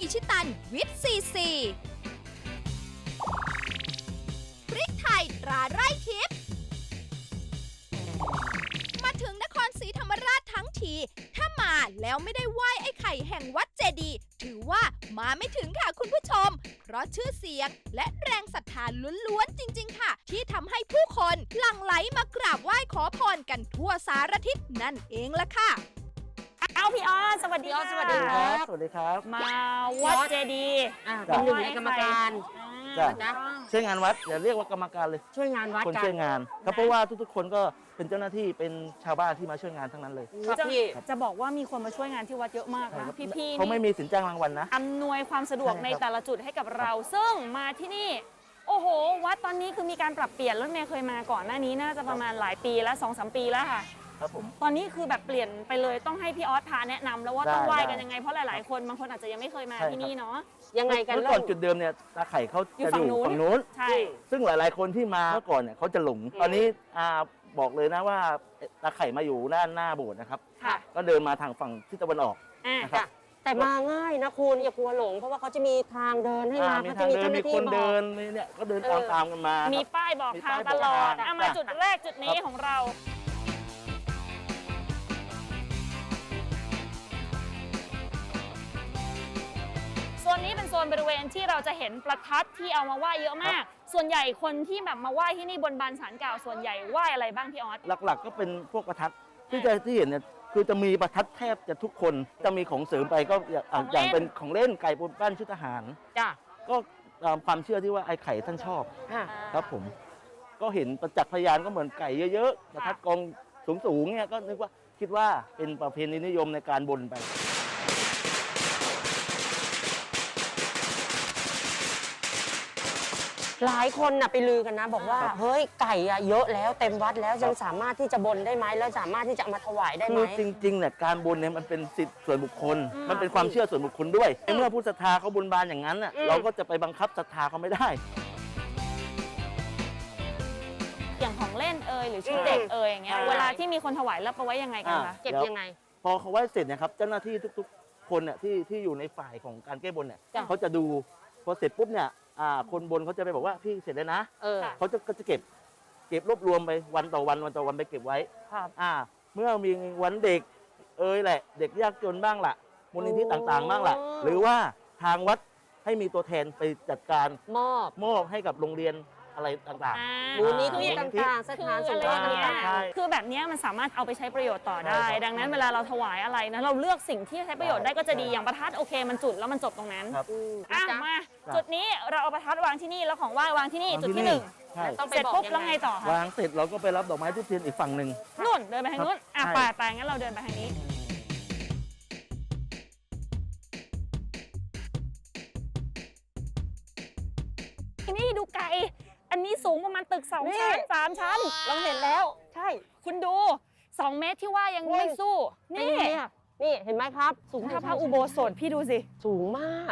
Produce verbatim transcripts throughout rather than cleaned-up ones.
อิชิตันวิตซีซีพริกไทยตราไร่ทิพย์มาถึงนครศรีธรรมราชทั้งทีถ้ามาแล้วไม่ได้ไหว้ไอ้ไข่แห่งวัดเจดีย์ถือว่ามาไม่ถึงค่ะคุณผู้ชมเพราะชื่อเสียงและแรงศรัทธาล้วนๆจริงๆค่ะที่ทำให้ผู้คนหลั่งไหลมากราบไหว้ขอพรกันทั่วสารทิศนั่นเองล่ะค่ะเอาพี่ออสสวัสดีค่ะสวัสดีครับสวัสดีครับมาวัดเจดีย์เป็นหนึ่งในในกรรมการจ้ะช่วยงานวัดอย่าเรียกว่ากรรมการเลยช่วยงานวัดคนกันช่วยงานครับเพราะว่าทุกๆคนก็เป็นเจ้าหน้าที่เป็นชาวบ้านที่มาช่วยงานทั้งนั้นเลยจะจะบอกว่ามีคนมาช่วยงานที่วัดเยอะมากนะพี่ๆเขาไม่มีสินจ้างรางวัลนะอำนวยความสะดวกในแต่ละจุดให้กับเรา ซึ่งมาที่นี่โอ้โหวัดตอนนี้คือมีการปรับเปลี่ยนรถเมย์เคยมาก่อนหน้านี้น่าจะประมาณหลายปีแล้ว สองสาม ปีแล้วค่ะครับผมตอนนี้คือแบบเปลี่ยนไปเลยต้องให้พี่ออสพาแนะนำแล้วว่าได้ต้องไหว้กันได้ยังไงเพราะหลายๆคนบางคนอาจจะยังไม่เคยมาใช่ที่นี่เนาะยังไงกันเมื่อเล่าก่อนจุดเดิมเนี่ยตาไข่เขาอยู่จะฝั่องนู้ยู่นฝั่งนู้นใช่ซึ่งหลายๆคนที่มาเมื่อก่อนเนี่ยเขาจะหลงตอนนี้อ่าบอกเลยนะว่าตาไข่มาอยู่ด้านหน้าโบสถ์นะครับค่ะก็เดินมาทางฝั่งทิศตะวันออกอ่านะครับแต่มาง่ายนะคุณอย่ากลัวหลง เพราะว่าเขาจะมีทางเดินให้มาอ่ามีเขาทาจะงมีเดิเจ้าน หมีน้าที่บอกคนเดินมีเนี่ยก็เดินเอตามอตามกันมามีครับป้ายบอกมีทางป้ายตลอดบอกทางเอามาจ้ะจุดแรกจุดนี้ครับของเราโซนนี้เป็นโซนบริเวณที่เราจะเห็นประทัดที่เอามาไหว้เยอะมาก ส่วนใหญ่คนที่แบบมาไหว้ที่นี่บนบานศาลกล่าวส่วนใหญ่ไหว้อะไรบ้างพี่ออสหลักๆก็เป็นพวกประทัดที่จะที่เห็นเนี่ยคือจะมีประทัดแทบจะทุกคนจะมีของเสริมไปก็อย่างของเล่นอย่างเป็นของเล่นไก่บนบ้านชุดทหารจ้ะก็ตามความเชื่อที่ว่าไอ้ไข่ท่านชอบอ่ะครับผมก็เห็นประจักษ์พยานก็เหมือนไก่เยอะๆประทัดกองสูงๆเนี่ยก็นึกว่าคิดว่าเป็นประเพณีนิยมในการบนไปหลายคนน่ะไปลือกันนะ บอกว่าครับเฮ้ยไก่อะเยอะแล้วเต็มวัดแล้วยังสามารถที่จะบนได้ไหมแล้วสามารถที่จะเอามาถวายได้ไหมคือจริงๆเนี่ยการบนเนี่ยมันเป็นสิทธิส่วนบุคคล มันเป็นความเชื่อส่วนบุคคลด้วยเมื่อผู้ศรัทธาเขาบนบานอย่างนั้นน่ะเราก็จะไปบังคับศรัทธาเขาไม่ได้อย่างของเล่นเอ่ยหรือชุดเด็กเอ่ยอย่างเงี้ยใช่เวลาที่มีคนถวายแล้วไปไว้ยังไงกันคะเก็บยังไงพอเขาไหว้เสร็จเนี่ยครับเจ้าหน้าที่ทุกๆคนเนี่ยที่ที่อยู่ในฝ่ายของการแก้บนเนี่ยจ้ะเขาจะดูพอเสร็จปุ๊บเนี่ยอ่าคนบนเขาจะไปบอกว่าพี่เสร็จแล้วนะเออเขาจะก็จะเก็บเก็บรวบรวมไปวันต่อวันวันต่อวันไปเก็บไว้ครับอ่าเมื่อมีวันเด็กเอ่ยแหละ เด็กยากจนบ้างล่ะมูลนิธิต่างๆ บ้างล่ะ หรือว่าทางวัดให้มีตัวแทนไปจัดการมอบมอบให้กับโรงเรียนอะไรต่างอ่ามูลนิธิอ่าต่างๆสคือถานสอะงไรเคอราะย่างห์เงี้ยต่างใช่คือแบบเนี้ยมันสามารถเอาไปใช้ประโยชน์ต่อได้ใช่ครับดังนั้นเวลาเราถวายอะไรนะเราเลือกสิ่งที่ใช้ประโยชน์ได้ก็จะดีใช่อย่างประทัดโอเคมันจุดแล้วมันจบตรงนั้นๆครับๆอืมอ่ะนะจ๊ะมาจ้ะจุดนี้เราเอาประทัดวางที่นี่แล้วของไหว้วางที่นี่วางจุดที่ที่นี่หนึ่งใช่ต้องไปเสร็จบอกปุ๊บยังไงแล้วไงต่อคะวางเสร็จเราก็ไปรับดอกไม้ทุกเทียนอีกฝั่งหนึ่งนู่นเดินไปทางนู้นอ่ะใช่ไปไปงั้นเราเดินไปทางนี้ที่นี่ดูไกลอันนี้สูงประมาณตึกสองนี่ชั้นสามชั้นเราเห็นแล้ว ใช่คุณดูสองเมตรที่ว่ายังไม่สู้นี่นี่นี่เห็นไหมครับสูงเท่าพระอุโบสถพี่ดูสิสูงมาก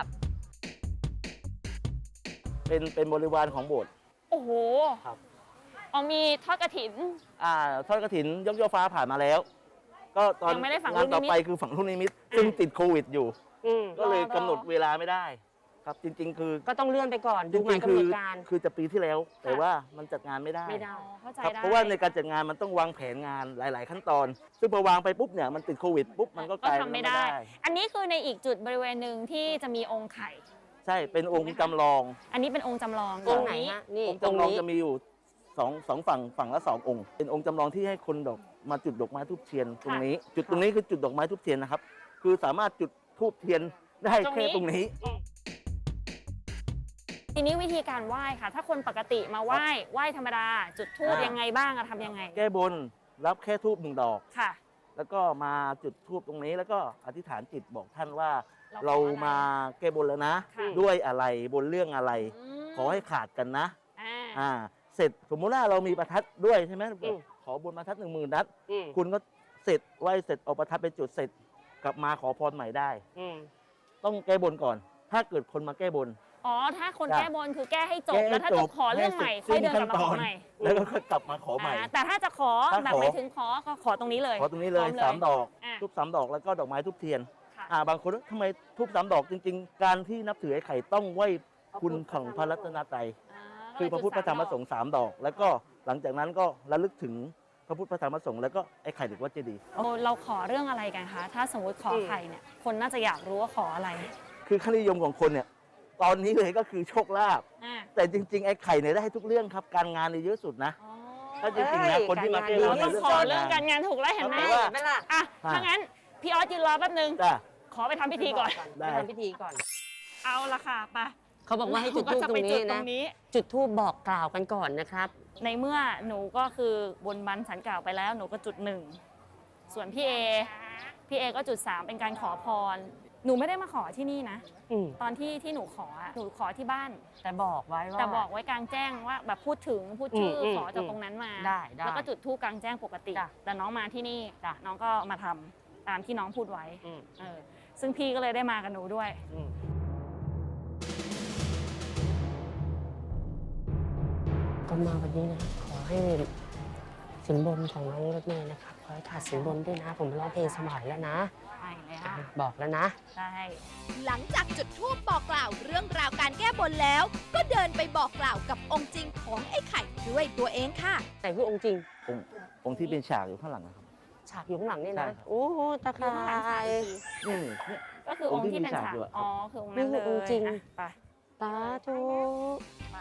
เป็นเป็นบริวารของโบสถ์โอ้โหครับเอามีทอดกระถินอ่าทอดกระถินยกยอฟ้าผ่านมาแล้ว ก็ตอนยังไม่ได้ฝังงานต่อลูกนิมิตไปคือฝังลูกนิมิตซึ่งติดโควิดอยู่อืมก็เลยรอรอกำหนดเวลาไม่ได้ ครับจริง ๆ คือก็ต้องเลื่อนไปก่อนจดูหริมายงๆกำคืหนอดการคือจะปีที่แล้ว แต่ว่ามันจัดงานไม่ได้ไม่ได้อ๋อเข้าใจครับได้เพราะว่าในการจัดงานมันต้องวางแผนงานหลาย ๆ ขั้นตอน ซึ่งพอวางไปปุ๊บเนี่ยมันติดโควิดปุ๊บมันก็กก็ลายทำไม่ได้ อันนี้คือในอีกจุดบริเวณหนึ่งที่จะมีองค์ไข่ใช่เป็นองค์จำลองอันนี้เป็นองค์จำลองตรงไหนฮะ นี่องค์ตรงจำลองนี้จะมีอยู่สองสองฝั่งฝั่งละสององค์ เป็นองค์จำลองที่ให้คนดอกมาจุดดอกไม้ทูบเทียนตรงนี้ จุดตรงนี้คือจุดดอกไม้ทูบเทียนนะครับ คือสามารถจุดทูบเทียนได้แค่ตรงนี้ทีนี้วิธีการไหว้ค่ะ ถ้าคนปกติมาไหว้ไหว้ธรรมดา จุดธูปอ่ายัยังไงบ้างอะทำยังไงแก้บนรับแค่ทูบหนึ่งดอกค่ะแล้วก็มาจุดทูบตรงนี้แล้วก็อธิษฐานจิตบอกท่านว่าเราเราขออะไรมาแก้บนแล้วนะค่ะด้วยอะไรบนเรื่องอะไรมขอให้ขาดกันนะอ่าอ่า เสร็จสมมุติว่าเรามีประทัดด้วยใช่ไหมอืมขอบนประทัดหนึ่งหมื่นนัดอืมคุณก็เสร็จไหวเสร็จเอาประทัดไปจุดเสร็จกลับมาขอพรใหม่ได้อืมต้องแก้บนก่อน ถ้าเกิดคนมาแก้บนอ๋อ ถ้าคนจ้ะแก้บนคือแก้ให้จบแก้ให้แล้วถ้าจจะบขอเรื่องใหม่ให้ค่อยเสร็เดิจนกลับมาขอสิ้นขั้นตอนใหม่แล้วก็ค่อยกลับมาขอใหม่อ่าแต่ถ้าจะขอถ้าแบบขอหมายถึงขอก็ขอตรงนี้เลยขอตรงนี้เลยพร้อสามดอกอ่ะทุบสามดอกแล้วก็ดอกไม้ทุบเทียนค่ะอ่าบางคนทำไมทูบสามดอกจริง ๆ การที่นับถือไอ้ไข่ต้องไหว้คุณของพระรัตนตรัย คือพระพุทธพระธรรมพระสงฆ์สามดอก แล้วก็หลังจากนั้นก็ระลึกถึงพระพุทธพระธรรมพระสงฆ์แล้วก็ไอ้ไข่เด็กวัดเจดีย์เราขอเรื่องอะไรกันคะถ้าสมมติขอไข่เนี่ยคนน่าจะอยากรู้ว่าขออะไรคือค่านิยมของคนเนี่ยตอนนี้เลยก็คือโชคลาภอ่าแต่จริง ๆ ไอ้ไข่เนี่ยได้ให้ทุกเรื่องครับ การงานเนี่ยเยอะสุดนะอ๋อถ้าจริงๆนะคนที่มาแก้บนต้ในองเรื่องขอการเรื่องงานการงานถูกแล้วเห็นไหมแต่ว่าไม่ล่ะอ่ะถ้างั้นพี่ออสยืนรอแป๊บนึงจ้ะขอไปทำพิธีก่อนได้ไปทำพิธีก่อนเอาละค่ะไปเขาบอกว่าให้จุดธูปก็จะตรไปงจุนี้ดตรนะงนี้จุดธูปบอกกล่าวกันก่อนนะครับในเมื่อหนูก็คือบนบันสันกล่าวไปแล้วหนูก็จุดหนึ่งส่วนพี่เอพี่เอก็จุดสามเป็นการขอพร หนูไม่ได้มาขอที่นี่นะอืมตอนที่ที่หนูขออะหนูขอที่บ้านแต่บอกไว้ว่าแต่บอกไว้กลางแจ้งว่าแบบพูดถึงพูดชื่ออมขอจากตรงนั้นมาได้ได้แล้วก็จุดธูปกลางแจ้งปกติจ้ะแต่น้องมาที่นี่จ้ะน้องก็มาทำตามที่น้องพูดไว้อืมเออซึ่งพี่ก็เลยได้มากับหนูด้วยอืมก็มาวันนี้นะขอให้สินบนของน้องรถเมย์นะครับขอให้ขาดสินบนด้วยนะ ผมร้องเพลงสมัยแล้วนะใช่แล้วบอกแล้วนะใช่หลังจากจุดธูปบอกกล่าวเรื่องราวการแก้บนแล้ว ก็เดินไปบอกกล่าวกับองค์จริงของไอ้ไข่ด้วยตัวเองค่ะแต่คือองค์จริงองค์องค์ที่เป็นฉากอยู่ข้างหลังนะครับฉากอยู่ข้างหลังนี่ใช่นะครับโอ้โหตะไคคือข้างหลังฉากร้อีกทีนี่เนี่ยก็คือองค์ที่เป็นองค์ที่มีฉากฉากอยู่อะอ๋อคือองค์นั้นนี่เลคือย องค์จริงอ่ะไปสาธุไป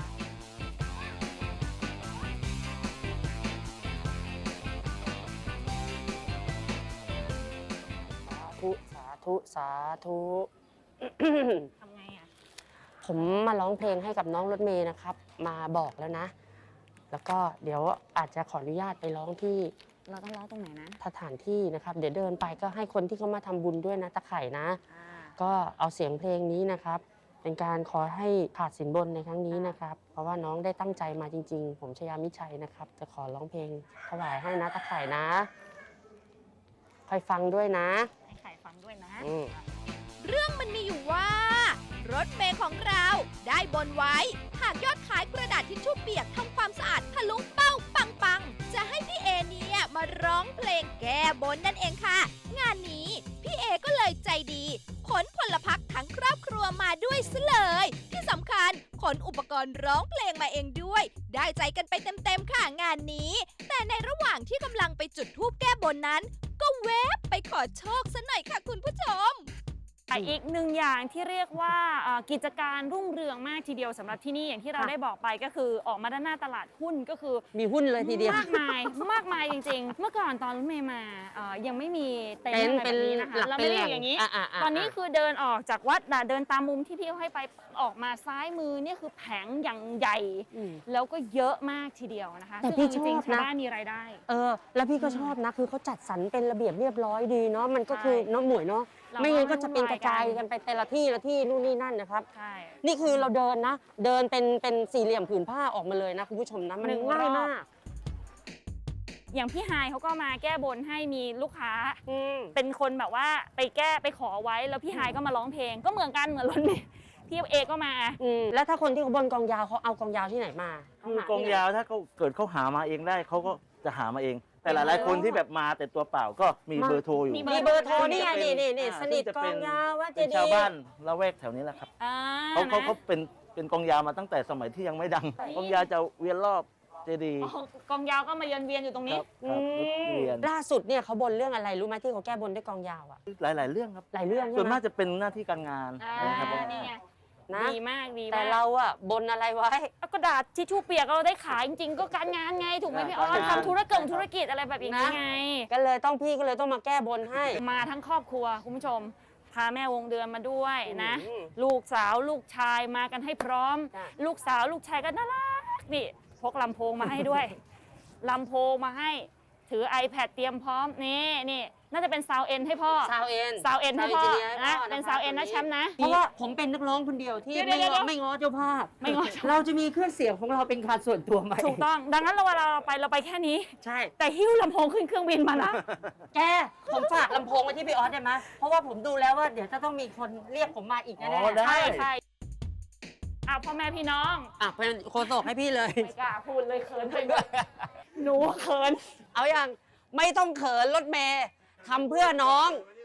สาธุสาธุสาธุทำไงอ่ะผมมาร้องเพลงให้กับน้องรถเมย์นะครับ มาบอกแล้วนะ แล้วก็เดี๋ยวอาจจะขออนุญาตไปร้องที่เราต้องร้องตรงไหนนะสถานที่นะครับ เดี๋ยวเดินไปก็ให้คนที่เขามาทำบุญด้วยนะตะไคร่นะอ่าก็เอาเสียงเพลงนี้นะครับ เป็นการขอให้ขาดสินบนในครั้งนี้นะครับ เพราะว่าน้องได้ตั้งใจมาจริง ๆ ผมชยามิชัยนะครับ จะขอร้องเพลงถวายให้นะตะไคร่นะคอยฟังด้วยนะให้ไข่ฟังด้วยนะอืมเรื่องมันมีอยู่ว่า รถเมย์ของเราได้บนไว้ หากยอดขายกระดาษทิชชู่เปียกทำความสะอาดทะลุเป้าปังปังๆจะให้พี่เอเนี่ยมาร้องเพลงแก้บนนั่นเองค่ะ งานนี้พี่เอก็เลยใจดีขนพลพรรคทั้งครอบครัวมาด้วยซะเลย ที่สำคัญขนอุปกรณ์ร้องเพลงมาเองด้วย ได้ใจกันไปเต็มๆค่ะงานนี้ แต่ในระหว่างที่กำลังไปจุดธูปแก้บนนั้น ก็แวบไปขอโชคซะหน่อยค่ะคุณผู้ชมแต่อีกหนึ่งอย่างที่เรียกว่าเอ่อกิจการรุ่งเรืองมากทีเดียวสำหรับที่นี่อย่างที่เราค่ะได้บอกไปก็คือออกมาด้านหน้าตลาดหุ้นก็คือมีหุ้นเลยทีเดียวมากมายมากมายจริงๆ เมื่อก่อนตอนรถเมย์มาเอ่อยังไม่มีเต็นเต็นท์ท์อะไรเป็แบนบนี้นะคะหลักเราเป็ไม่นได้แหอล่งยู่อย่างนี้อ่ะอ่ะอ่ะตอนนี้คือเดินออกจากวัดน่ะเดินตามมุมที่พี่เขาให้ไปออกมาซ้ายมือเนี่ยคือแผงอย่างใหญ่อืมแล้วก็เยอะมากทีเดียวนะคะแต่พี่ซึ่งจริงชอบๆชาวนะบ้านมีรายได้เออ แล้วพี่ก็ชอบนะ คือเขาจัดสรรเป็นระเบียบเรียบร้อยดีเนาะ มันก็คือใช่เน้องหมวยเนาะเราไม่งั้นก็จะเป็นกระจายวุ่นวายกักัน นไปแต่ละที่ละที่นู่นนี่นั่นนะครับใช่นี่คือเราเดินนะ เดินเป็นเป็นสี่เหลี่ยมผืนผ้าออกมาเลยนะคุณผู้ชมนะ มันหนึ่งง่ายรอบมากอย่างพี่ไฮายเขาก็มาแก้บนให้มีลูกค้าอืมเป็นคนแบบว่าไปแก้ไปขอไว้แล้วพี่ไฮายก็มาร้องเพลงก็เหมือนกันเหมือนรถเมย์พี่เอก็มาอืม แล้วถ้าคนที่เขาบนกองยาวเขาเอากองยาวที่ไหนมาคือกองยาวถ้าเขาเกิดเขาหามาเองได้เขาก็จะหามาเอง แต่หลายๆคนที่แบบมาแต่ตัวเปล่าก็มีเบอร์โทรอยู่มีมีเบอร์โทรนี่ไงซึ่นี่งจะเป็นี่นี่อ่าสนิทซึ่งจะกเป็อน งยาวว่าเจเป็นดีชาวย์บ้านละแวกแถวนี้แหละครับอ่าเขาเขานะเขาเป็นเป็นกองยาวมาตั้งแต่สมัยที่ยังไม่ดัง กองยาวจะเวียนรอบเจดีย์อ๋อกองยาวก็มาเยือนเวียนอยู่ตรงคนี้รับครับรถเวียนล่าสุดเนี่ยเขาบนเรื่องอะไรรู้ไหมที่เขาแก้บนด้วยกองยาวอะหลาย ๆ เรื่องครับหลายเรื่องส่ใช่วนไหมมากจะเป็นหน้าที่การงานอ่านะครับผมนี่ไงนะดีมากดีมากแต่เราอะบนอะไรไว้เอากระดาษทิชชู่เปียกเราได้ขายจริงๆ ก็การงานไงถูกไหมพี่ออสทำธุรกิจธุรกิจอะไรแบบอย่างนี้ไงก็เลยต้องพี่ก็เลยต้องมาแก้บนให้มาทั้งครอบครัวคุณผู้ชม พาแม่วงเดือนมาด้วยนะอืมลูกสาวลูกชายมากันให้พร้อมจ้ะลูกสาวลูกชายก็น่ารักนี่พกลำโพงมาให้ด้วย ลำโพงมาให้ถือ iPad เตรียมพร้อมนี่นี่น่าจะเป็นซาวเอ็นให้พ่อซาวเอ็นซาวเอ็นให้พ่อซาวเอ็นนะให้พ่อเป็นซาวเอ็นนะแชมป์นะเพราะว่าผมเป็นนักร้องคนเดียวที่เดี๋ยวไม่เดี๋ยวง้อเดี๋ยวไม่ง้อเจ้าภาพไม่ง้อเจ้าภาพเราจะมีเครื่องเสียงของเราเป็นการส่วนตัวไหมถูกต้อง ดังนั้นเราเวลาเราไปเราไปแค่นี้ใช่แต่หิ้วลำโพงขึ้นเครื่องบินมานะแกผมฝากลำโพงไว้ที่พี่ออสได้ไหมเพราะว่าผมดูแล้วว่าเดี๋ยวจะต้องมีคนเรียกผมมาอีกแน่อ๋อๆได้ใช่ใช่เอาพ่อแม่พี่น้องอ่ะเป็นโคศกให้พี่เลยไม่กล้าพูดเลยเขินไปด้วยหนูเขินเอาอย่างไม่ต้องเขินรถเมย์ทำเพื่อน้อง พ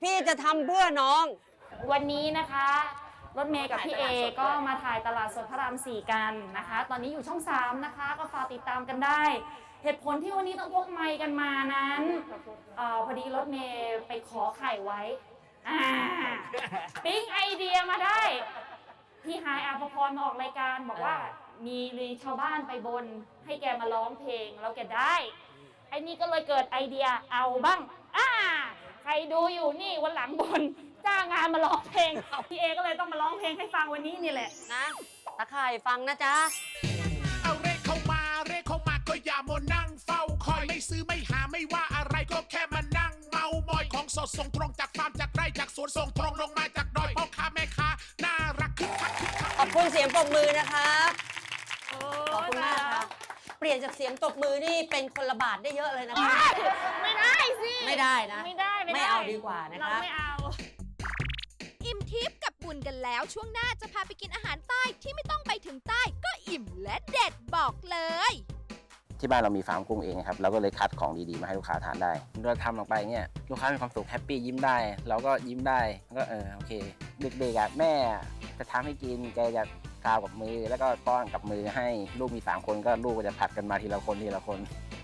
พี่จะทำเพื่อน้องวันนี้นะคะรถเมย์กับพี่เอก็มาถ่ายตลาดสดพระรามสี่กันนะคะ ตอนนี้อยู่ช่องสามนะคะก็ฝากติดตามกันได้ เหตุผลที่วันนี้ต้องพกไมค์กันมานั้นเออพอดีรถเมย์ไปขอไข่ไว้อ่าปิ๊งไอเดียมาได้พี่ฮายอาภพรมาออกรายการบอกว่ามีมีชาวบ้านไปบนให้แกมาร้องเพลงแล้วแกได้ไอ้นี่ก็เลยเกิดไอเดียเอาบ้างอ่าใครดูอยู่นี่วันหลังบนจ้างงานมาร้องเพลงพี่เอก็เลยต้องมาร้องเพลงให้ฟังวันนี้นี่แหละนะตะไคร่ฟังนะจ๊ะเอาเรขเข้ามาเรขเข้ามาก็อย่ามัวนั่งเฝ้าคอยไม่ซื้อไม่หาไม่ว่าอะไรก็แค่มานั่งเมามอยของสดส่งตรงจากฟาร์มจากไร่จากสวนส่งตรงลงมาจากดอยพ่อค้าแม่ค้าน่ารักคึกคักคึกคักขอบคุณเสียงปรบมือนะครับ ขอบคุณมากครับ เปลี่ยนจากเสียงตบมือนี่เป็นคนละบาทได้เยอะเลยนะคะไม่ได้สิไม่ได้นะไม่ได้ไม่ได้ไม่เอาดีกว่านะคะเราไม่เอาอิ่มทิพย์กับบุญกันแล้วช่วงหน้าจะพาไปกินอาหารใต้ที่ไม่ต้องไปถึงใต้ก็อิ่มและเด็ดบอกเลยที่บ้านเรามีฟาร์มกุ้งเองครับเราก็เลยคัดของดีๆมาให้ลูกค้าทานได้เราทำลงไปเนี่ยลูกค้ามีความสุขแฮปปี้ยิ้มได้เราก็ยิ้มได้ก็เออโอเคเด็กๆอ่ะแม่จะทำให้กินแกจะกาวกับมือแล้วก็ป้อนกับมือให้ลูกมีสามคนก็ลูกก็จะผัดกันมาทีละคนทีละคน